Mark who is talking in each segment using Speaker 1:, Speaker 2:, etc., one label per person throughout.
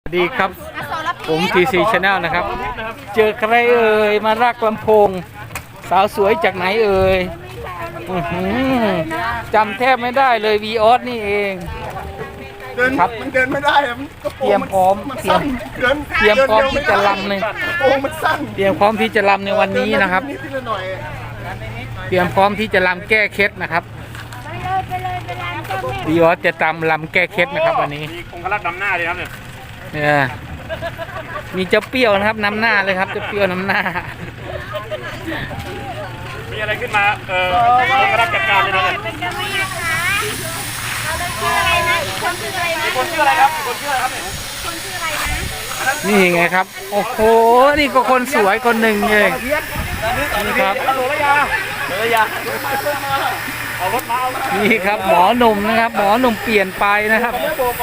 Speaker 1: สวัสดีครับผม TC Channel นะครับเจอใครเอ่ยมารักลำโพงสาวสวยจากไหนเอ่ยจำแทบไม่ได้เลยวีออสนี่เองครับ
Speaker 2: มันเดินไม่ได้มันกระโปรง
Speaker 1: เตรียมพร้อม
Speaker 2: มันสั้น
Speaker 1: เตรียมพร้อมที่จะลำใน
Speaker 2: กระโปรงมันสั้น
Speaker 1: เตรียมพร้อมที่จะลำในวันนี้นะครับ
Speaker 2: นิดหน่อย
Speaker 1: เตรียมพร้อมที่จะลำแก้เคล็ดนะครับวีออสจะตำลำแก้เคล็ดนะครับวันนี้
Speaker 3: มีองคลักษ์นำหน้าเลยครับเนี่ย
Speaker 1: เนี่ยมีเจ้าเปรี้ยวนะครับนำหน้าเลยครับเจ้าเปรี้ยวนำหน้า
Speaker 3: มีอะไรขึ้นมาองคลักษ์จัดการเลยนะเนี่ย
Speaker 4: เป็นกันไหมคะเราเลยชื่ออะไรนะอีกคนชื่ออะไรนะ
Speaker 3: คนชื่ออะไรครับคนชื่ออะไรครับเนี่ย
Speaker 4: คนชื่ออะไรนะ
Speaker 1: นี่ไงครับโอ้โหนี่ก็คนสวยคนหนึ่งเองนี่ครับ
Speaker 3: ฮัลโหลระยาเอารถมาเอา
Speaker 1: นี่ครับหมอหนุ่มนะครับ หมอหนุ่มเปลี่ยนไปนะครับ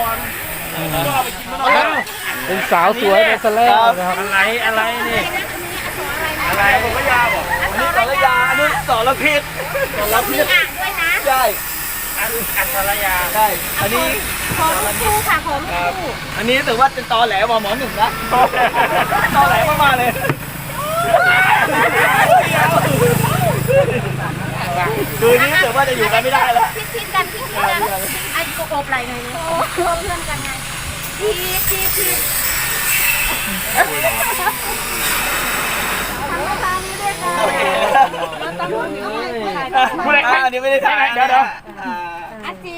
Speaker 1: เป็นสาวสวยไปซะแล้วนะครับ
Speaker 3: อะไรนี่อะไรผมระยาบอก
Speaker 4: นี่สรยาอันนี้สรพิษมีอ่างด้วยนะ
Speaker 2: ใช่
Speaker 3: อัศรยา
Speaker 2: ใช่อันนี้
Speaker 4: ขอลูกคู่ค่ะขอลูกคู่
Speaker 2: อันนี้ถือว่าเป็นตอแหลหมอหนุ่มนะตอแหลมากๆเลยคืนนี้ถือว่าจะอยู่กันไม่ได้แล้ว
Speaker 4: พิดกันไอ้โอบไหลหน่อยเลยเพื่อนกันไงพีทำทางนี้ด้วยกันเราต้องรู้นี่เอาไว้
Speaker 3: ผู้ใด
Speaker 2: อันนี้ไม่ได้ถ่าย
Speaker 3: เดี๋ยว
Speaker 4: อาจี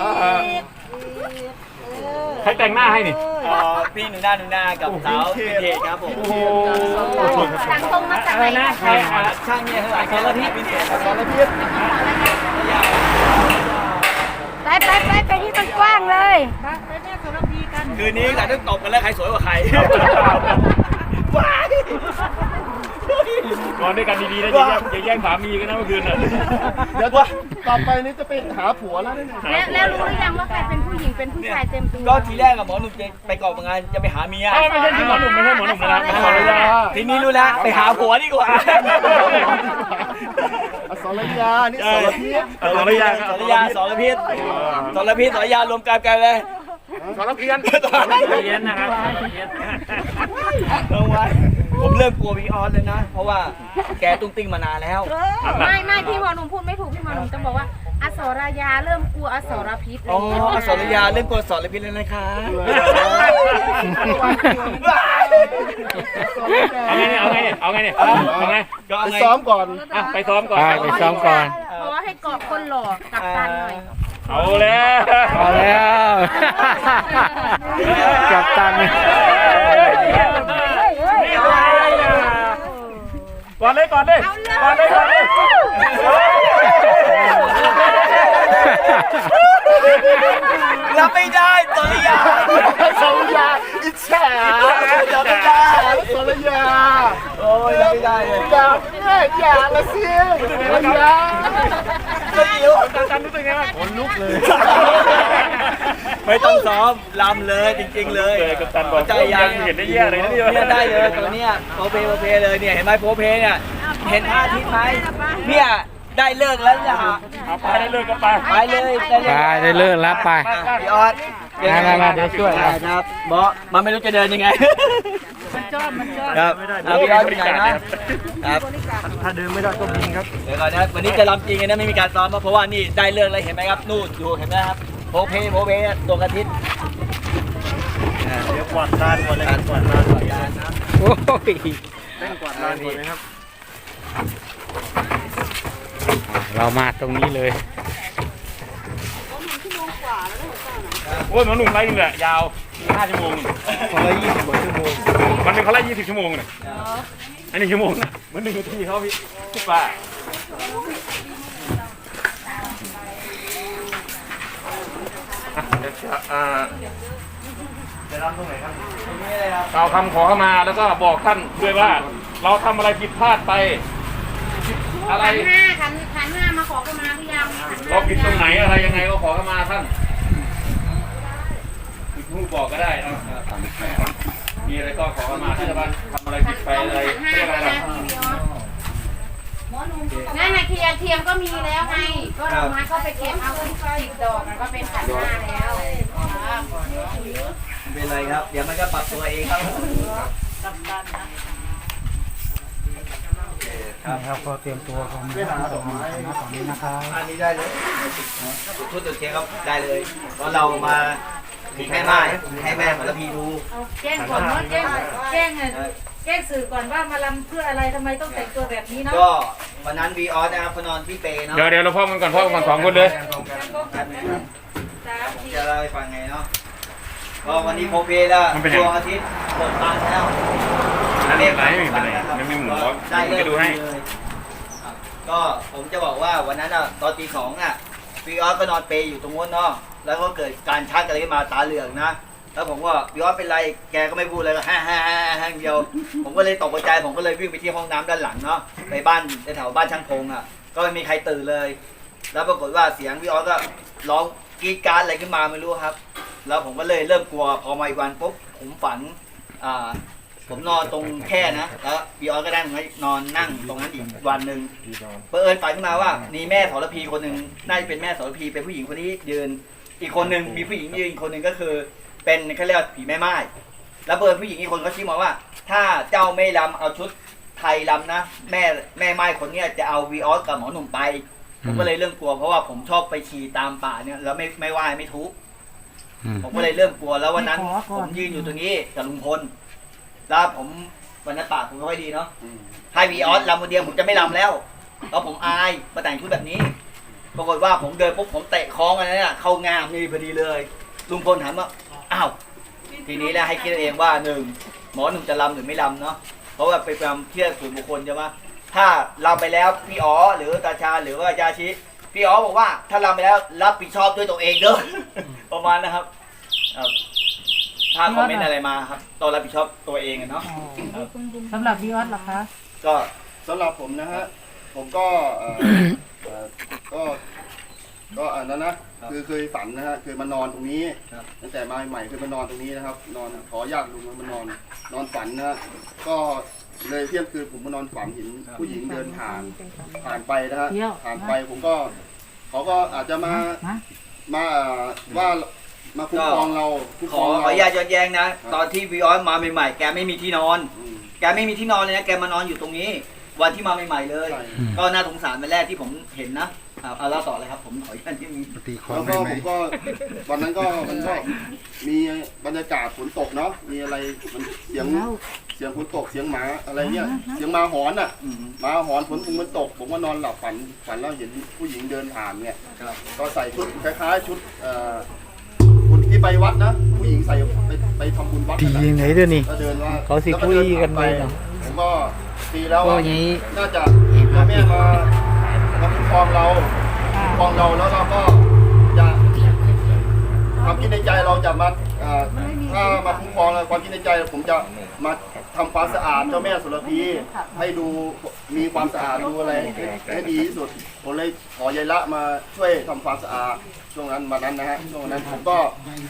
Speaker 3: ใครแต่งหน้าให้นี่
Speaker 2: พี่หนูนากับสาวพิเทศครับผม
Speaker 4: สั่งตรงมาจากไหนนะ
Speaker 2: ช่างเนี่ยเท่าไหร่สารพิษพิเทศสารพิษ
Speaker 4: ไปที่มันกว้างเลย
Speaker 2: คืนนี้หลังจากตบกันแล้วใครสวยกว่าใครว้าย
Speaker 3: นอนด้วยกันดีๆนะอย่าแย่งสามีกันนะเมื่อคืนน่ะ
Speaker 2: เดี๋ยวต่อไปนี้จะไปหาผัวแล้วเนี่ย
Speaker 4: แล้วรู้หรือยังว่าใครเป็นผู้หญิงเป็นผู้ชายเต็มตัว
Speaker 2: ก็ทีแรกกับหมอหนุ่มจะไปกอบงานจะไปหาเมีย
Speaker 3: ไม่ใช่ที่หมอหนุ่มไม่ใช่หมอหนุ่มนะไม่ใช่หมอระยา
Speaker 2: ทีนี้รู้แล้วไปหาผัวดีกว่าสรยานี่สรพิษ
Speaker 3: สรยา
Speaker 2: สรยาสรพิษสรพิษสรยารวมกันเลย
Speaker 3: สรเพียนเพียนนะครับ
Speaker 2: ลงไว้ผมเริ่มกลัววีออสเลยนะ เพราะว่าแกตุ้งติ้งมานานแล้ว
Speaker 4: ไม่พี่หมอหนุ่มพูดไม่ถูกพี่หมอหนุ่มต้องบอกว่าอสรยาเริ่มกลัวอสรพิษ
Speaker 2: อ๋อสรยาเล่นกลัวสรพิษเลยนะคะ
Speaker 3: เอาไงเนี่ย
Speaker 2: ก็
Speaker 3: เอาไง
Speaker 2: ไปซ้อมก่อน
Speaker 3: ไปซ้อมก่อน
Speaker 1: ไปซ้อมก่อน
Speaker 4: ขอให้เกาะคนหล่อกับตันหน่อย
Speaker 3: เอาแล้ว
Speaker 1: เอาแล้วกับตัน
Speaker 3: ก่อนเลย
Speaker 2: รับไม่ได้สรยาอิจฉารับไม่ได้สรยาโอ้ยรับไม่ได้เลยอย่าละสิสรยาก็อิ๋ว
Speaker 3: ตันรู้สึกไงบ้างขนลุกเลย
Speaker 2: ไม่ต้องซ้อมลำเลยจริงๆเลย
Speaker 3: กับตันบอก
Speaker 2: ใจยัง
Speaker 3: เห็นได้แย่เลยนะเนี่ย
Speaker 2: เนี่ยได้เลยตัวเนี้ยโพเพเลยเนี่ยเห็นไหมโพเพเนี่ยเห็นท่าทิศไหมเนี่ยได้เลิกแล้วเนี่ย
Speaker 3: เอาไปได้เลยก็ไป
Speaker 2: ไปเลย
Speaker 1: ไปได้เลิกแล้วไป
Speaker 2: พี่ออส
Speaker 1: มาเดี๋ยวช่วย
Speaker 2: ครับบอสมันไม่รู้จะเดินยังไงมันจอดครับพี่ออสเป็นไงนะครับ
Speaker 3: ถ้าเดินไม่ได้ก็บินครับ
Speaker 2: เดี๋ยวก่อนนะวันนี้จะรำจริงนะไม่มีการซ้อมเพราะว่านี่ได้เลิกแล้วเห็นไหมครับนู่นดูเห็นไหมครับโพเพดวงอาทิตย์
Speaker 3: เดี๋ยวกวาดลานก่อนเลยกวาดลาน
Speaker 1: โอ้ย
Speaker 3: กวาดลานก่อนเลยครับ
Speaker 1: เรามาตรงนี้เลย
Speaker 3: โอ้ยหมอหนุ่มไล่นึงแหละยาว5 ชั่วโมง
Speaker 2: คนละ20 กว่าชั่วโมง
Speaker 3: มันเป็นเขาไล่20 ชั่วโมงเนี่ยอันนี้ชั่วโมงนะเหมือน1 นาทีเขาพี่ป้าจะรับตรงไหนครับ
Speaker 2: นี่เลยครับ
Speaker 3: เราทำขอเข้ามาแล้วก็บอกท่านด้วยว่า เราทำอะไรผิดพลาดไปอะไร
Speaker 4: ขันห้ามาขอกันมาหรือยัง
Speaker 3: เราผิดตรงไหนอะไรยังไงก็ขอเข้ามาท่านคุณครูบอกก็ได้นะมีอะไรก็ขอเข้ามาท่านจะทำอะไรผิดไปอะไรเรียกอะไร
Speaker 4: นั่นน่ะเทียมก็มีแล้วไงก็ดอกไม้ก็ไปเก็บเอาที่10 ดอกมันก็เป็นขันห้าแล้ว
Speaker 2: เป็นไรครับ เดี๋ยวมันก็ปรับตัวเองครับ
Speaker 1: ครับก็เตรียมตัวกันไปหาดอกไม้ตอนนี้นะครับ
Speaker 2: อันนี้ได้เลยชุดตัวเทียครับได้เลยเพราะเรามามีแม่ไม้ให้แม่ของละพีดู
Speaker 5: เอาแจ้งก่อนเนาะแจ้งสื่อก่อนว่ามาลำเพื่ออะไรทำไมต้องแต่งตัวแบบนี้เนาะ
Speaker 2: ก็วันนั้นวีออสนะครับเขานอนที่เปเนาะ
Speaker 3: เดี๋ยวเราพ่อมันก่อนพ่อมันก่อน2 คนเลย
Speaker 2: จะเล่าให้ฟังไงเนาะก็วันนี้โพเพแล้วดวงอาทิตย์เปิดบานแล้ว
Speaker 3: นั่นเองไรไม่เป็นไรไม่มีหมู
Speaker 2: ได้เลย
Speaker 3: จะดูให้
Speaker 2: ก็ผมจะบอกว่าวันนั้นอ่ะตอนตี 2อ่ะวีออสก็นอนเปอยู่ตรงนู้นเนาะแล้วก็เกิดการชักอะไรขึ้นมาตาเหลืองนะแล้วผมก็วีออสเป็นไรแกก็ไม่พูดเลยก็ฮ่าเดียวผมก็เลยตกใจผมก็เลยวิ่งไปที่ห้องน้ำด้านหลังเนาะไปบ้านแถวบ้านช่างพงอ่ะก็ไม่มีใครตื่นเลย แล้วปรากฏว่าเสียงวีออสก็ร้องกรีดกราร์ดอะไรขึ้นมาไม่รู้ครับ แล้วผมก็เลยเริ่มกลัวพอมาอีกวันปุ๊บผมฝันผมนอนตรงแค่นะแล้ววีออสก็ได้นอนนั่งตรงนั้นอีกวันหนึ่งเผอิญฝันขึ้นมาว่ามีแม่สรพีคนหนึ่งน่าจะเป็นแม่สรพีเป็นผู้หญิงคนนี้ยืนอีกคนหนึ่งมีผู้หญิงยืนอีกคนหนึ่งก็คือเป็นเขาเรียกว่าผีแม่ไม้แล้วเผอิญผู้หญิงอีกคนเขาชี้มาว่า ถ้าเจ้าไม่รำเอาชุดไทยรำนะแม่ไม้คนเนี้ยจะเอาวีออสกับหมอหนุ่มไปผมก็เลยเริ่มกลัวเพราะว่าผมชอบไปขี่ตามป่าเนี่ยแล้วไม่ไหว้ไม่ทุบผมก็เลยเริ่มกลัวแล้ววันนั้นผมยืนอยู่ตรงนี้กับลุงพลแล้วผมวันนั้นปากผมไม่ค่อยดีเนาะให้วีออสรำคนเดียวผมจะไม่รำแล้วแล้วผมอายมาแต่งชุดแบบนี้ปรากฏว่าผมเดินปุ๊บผมเตะคล้องอันนั้นเข้างามนี่พอดีเลยลุงพลถามว่าอ้าวทีนี้แล้วให้คิดเองว่าหนึ่งหมอหนุ่มจะรำหรือไม่รำเนาะเพราะว่าเป็นความเชื่อส่วนบุคคลใช่ไหมถ้ารำไปแล้วพี่อ๋อหรือตาชาหรือว่ายาชิพี่อ๋อบอกว่าถ้ารำไปแล้วรับผิดชอบด้วยตัวเองเด้อ ประมาณนะครับถ้าคอมเมนต์อะไรมาครับต้องรับผิดชอบตัวเองเนาะ
Speaker 5: สำหรับวีออสเหรอคะ
Speaker 2: ก็
Speaker 6: สำหรับผมนะฮะ ผมก็ก็อันนั้นนะคือเคยฝันนะฮะเคยมานอนตรงนี้ตั้งแต่มาใหม่เคยมานอนตรงนี้นะครับ นอนขอญาติลุงมานอนฝันนะฮะก็เลยเที่ยงคืนผมมานอนฝันเห็นผู้หญิงเดินผ่านไปนะฮะผ่านไปผมก็เขาก็อาจจะมาว่ามาคุ้มครองเราคุ้ม
Speaker 2: ข
Speaker 6: คร
Speaker 2: อ
Speaker 6: อง
Speaker 2: อ
Speaker 6: เรา
Speaker 2: นุญาตย้อนแย้งนะตอนที่วีออสมาใหม่ๆแกไม่มีที่นอน แกไม่มีที่นอนเลยนะแกมานอนอยู่ตรงนี้ วันที่มาใหม่ๆเลย ก็น่าสงสารวันแรกที่ผมเห็นนะเอาเล่าต่อเลยครับผมขออนุญาตที่มี
Speaker 6: แล้วก็ผมก็วันนั้นก็มันก็มีบรรยากาศฝนตกเนาะมีอะไรมันเสียงฝนตกเสียงหมาอะไรเนี่ยเสียงหมาหอนอ่ะหมาหอนฝนมันตกผมก็นอนหลับฝันแล้วเห็นผู้หญิงเดินผ่านเนี่ยก็ใส่ชุดคล้ายๆชุดคุณที่ไปวัดนะผู้หญิงใส่ไปทำบุญวัด
Speaker 1: ตียังไงด้วยนี่
Speaker 6: ก็เดินว่า
Speaker 1: เขาสิคุยกันไปเนาะ
Speaker 6: ผมก็ตีแล้ว
Speaker 1: ก็อย่างนี้
Speaker 6: น่าจะพ่อแม่มาคุ้มครองเราแล้วเราก็จะความคิดในใจเราจะมาถ้ามาคุ้มครองเราความคิดในใจผมจะมาทำความสะอาดเจ้าแม่สุรพีให้ดูมีความสะอาดดูอะไรให้ดีที่สุดผมเลยขอยายละมาช่วยทำความสะอาดช่วงนั้นวันนั้นนะฮะช่วงนั้นผมก็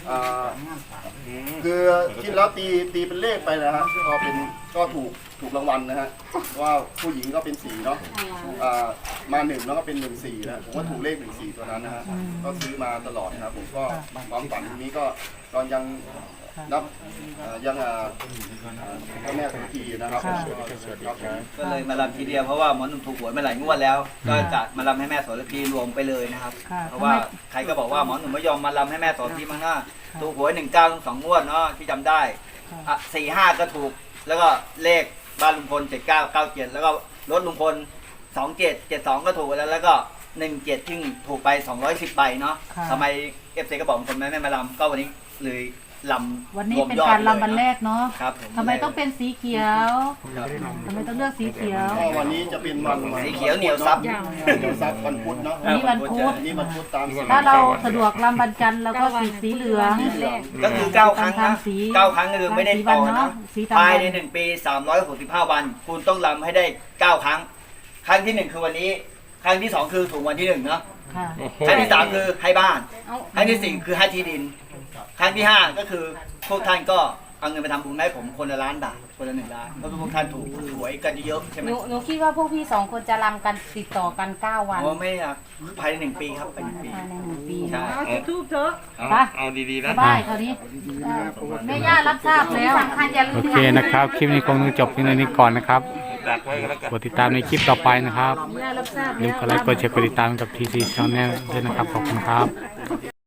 Speaker 6: คือคิดแล้วตีเป็นเลขไปนะฮะก็ถูกรางวัลนะฮะว่าผู้หญิงก็เป็น4เนาะมา1แล้วก็เป็น14นะผมก็ถูกเลข14ตัวนั้นนะฮะก็ซื้อมาตลอดนะครับผมก็ความฝันนี้ก็ตอนยังนับยังพ่อแม่ทุกทีนะครับครับ
Speaker 2: ก็เลยมาลำทีเดียวเพราะว่าหมอหนุ่มถูกหวยมาหลายงวดแล้ว ก็จะมาลำให้แม่โสระพีรวมไปเลยนะครับเพราะว่าใครก็บอกว่าหมอหนุ่มไม่ยอมมาลำให้แม่โสระพีมั้งนะถูกหวย19 2 งวดเนาะที่จำได้4-5ก็ถูกแล้วก็เลขบ้านลุงพล7997แล้วก็รถลุงพล2772ก็ถูกแล้วก็17ที่ถูกไป210ใบเนาะทำไม FC ก็บอกลุงพลไม่มาลำก็วันนี้เลยลำ
Speaker 5: วันนี้เป็นการลำวันแรกเนาะ
Speaker 2: ครับ
Speaker 5: ทำไมต้องเป็นสีเขียวทำไมต้องเลือกสีเขียว
Speaker 6: ก็วันนี้จะเป็นวัน
Speaker 2: สีเขียวเหนียวซับ
Speaker 6: วันพุธเนาะ
Speaker 5: วันนี้วันพุธ
Speaker 6: วันนี้วันพุธตาม
Speaker 5: ถ้าเราสะดวกลำวันจันทร์เราก็สีเหลือง
Speaker 2: ก็คือ9 ครั้งนะ9 ครั้งก็คือไม่ได้ต่อนะภายใน1 ปี365 วันคุณต้องลำให้ได้9 ครั้งครั้งที่1คือวันนี้ครั้งที่2คือถูกวันที่1เนาะ
Speaker 5: ค่ะ
Speaker 2: ครั้งที่3คือให้บ้านครั้งที่4คือให้ที่ดินครั้งที่5ก็คือพวกท่านก็เอาเงินไปทำบุญให้ผมคนละ1,000,000 บาทคนละ1 ล้านเพราะพวกท่านถูกหวยกันเยอะๆใช่ไหม
Speaker 5: หนูคิดว่าพวกพี่2 คนจะรำกันติดต่อกัน9 วัน
Speaker 2: โอ้ไม่อะภายใน1 ปีครับภายใน1 ปี
Speaker 5: ภายใน1 ปี
Speaker 2: ใช่
Speaker 5: ทูบเถอะ
Speaker 3: เอาดีๆนะ
Speaker 5: บ้ายเขาดิแม่ย่ารับทราบแล้วสำคัญอย่าลื
Speaker 1: โอ
Speaker 5: ม
Speaker 1: เคนะครับ คลิปนี้คงต้องจบเพียงเท่านี้ก่อนนะครับ
Speaker 3: ดักไว้ก็แล้วกัน
Speaker 1: กดติดตามในคลิปต่อไปนะครับ
Speaker 5: ย่ารับทราบ
Speaker 1: อย่าลื
Speaker 5: แล้
Speaker 1: ม
Speaker 5: ว
Speaker 1: กดไลค์กดแชร์กดติดตามกับ TC Channel ด้วยนะครับ ขอบคุณครับ